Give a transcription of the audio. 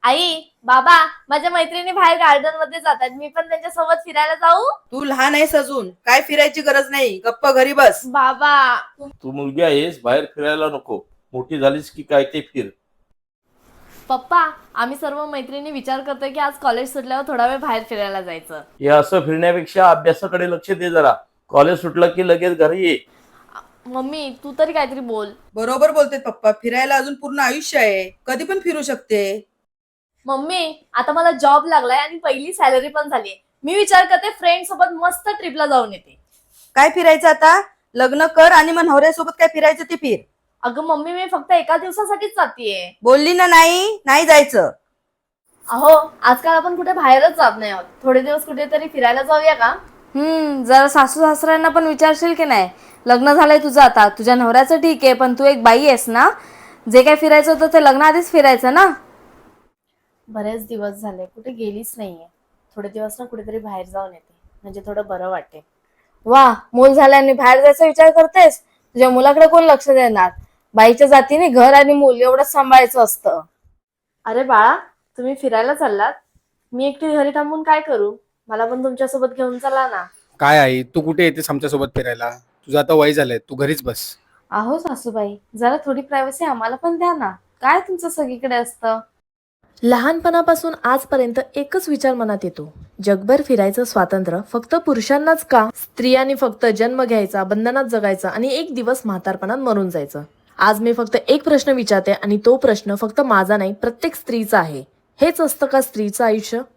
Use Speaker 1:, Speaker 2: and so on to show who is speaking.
Speaker 1: आई, बाबा, माझ्या मैत्रिणी बाहेर गार्डन मध्ये जातात, मी पण त्यांच्या सोबत फिरायला जाऊ?
Speaker 2: तू लहान आहेस अजून, काय फिरायची गरज नाही, गप्प घरी बस.
Speaker 1: बाबा.
Speaker 3: तू मुलगी आहेस, बाहेर फिरायला नको. मोठी झालीस की काय ते फिर.
Speaker 1: पप्पा, आम्ही सर्व मैत्रिणी विचार करतोय की आज कॉलेज सुटल्यावर थोडा वेळ बाहेर फिरायला जायचं.
Speaker 3: हे असं फिरण्यापेक्षा अभ्यासाकडे लक्ष दे जरा. कॉलेज सुटलं की लगेच घरी ये.
Speaker 1: मम्मी, तू तरी काहीतरी बोल.
Speaker 2: बरोबर बोलते पप्पा, फिरायला अजून पूर्ण आयुष्य आहे, कधी पण फिरू शकते.
Speaker 1: मम्मी, आता मला जॉब लागलाय आणि पहिली सॅलरी पण झालीये. मी विचार करते फ्रेंड सोबत मस्त ट्रिपला जाऊन येते.
Speaker 2: काय फिरायचं आता? लग्न कर आणि मग नवऱ्यासोबत काय फिरायचं ते फिर.
Speaker 1: अगं मम्मी, मी फक्त एका दिवसासाठीच जातीये.
Speaker 2: बोलली ना नाही नाही जायचं.
Speaker 1: अहो, आजकाल आपण कुठे बाहेरच जात नाही आहोत. थोडे दिवस कुठेतरी फिरायला जाऊया का?
Speaker 4: जरा सासू सासऱ्यांना पण विचारशील की नाही. लग्न झालंय तुझं, आता तुझ्या नवऱ्याचं ठीक आहे, पण तू एक बाई आहेस ना. जे काय फिरायचं होतं ते लग्नाआधीच फिरायचं ना.
Speaker 1: बरेच दिवस झाले कुठे गेलीच नाहीये. थोडे दिवस ना कुठेतरी बाहेर जाऊन येते, म्हणजे थोडं बरं वाटेल.
Speaker 4: वा, मूल झाल्याने बाहेर जायचा विचार करतेस. तुझ्या मुलाकडे कोण लक्ष देणार. बाईच्या जातीने घर आणि मूल एवढंच सांभाळायचं असतं.
Speaker 1: अरे बाळा, तुम्ही फिरायला चाललात, मी एकटी घरी थांबून काय करू? मला पण तुमच्यासोबत घेऊन चला ना.
Speaker 5: काय आई, तू कुठे येतेस आमच्यासोबत फिरायला? तुझं आता वय झालंय, तू घरीच बस.
Speaker 4: अहो सासूबाई, जरा थोडी प्रायव्हसी आम्हाला पण द्या ना. काय तुमचं सगळीकडे असतं.
Speaker 6: लहानपणापासून आजपर्यंत एकच विचार मनात येतो, जगभर फिरायचं स्वातंत्र्य फक्त पुरुषांनाच का? स्त्रियांनी फक्त जन्म घ्यायचा, बंधनात जगायचं आणि एक दिवस म्हातारपणात मरून जायचं. आज मी फक्त एक प्रश्न विचारते आणि तो प्रश्न फक्त माझा नाही, प्रत्येक स्त्रीचा आहे. हेच असतं का स्त्रीचं आयुष्य?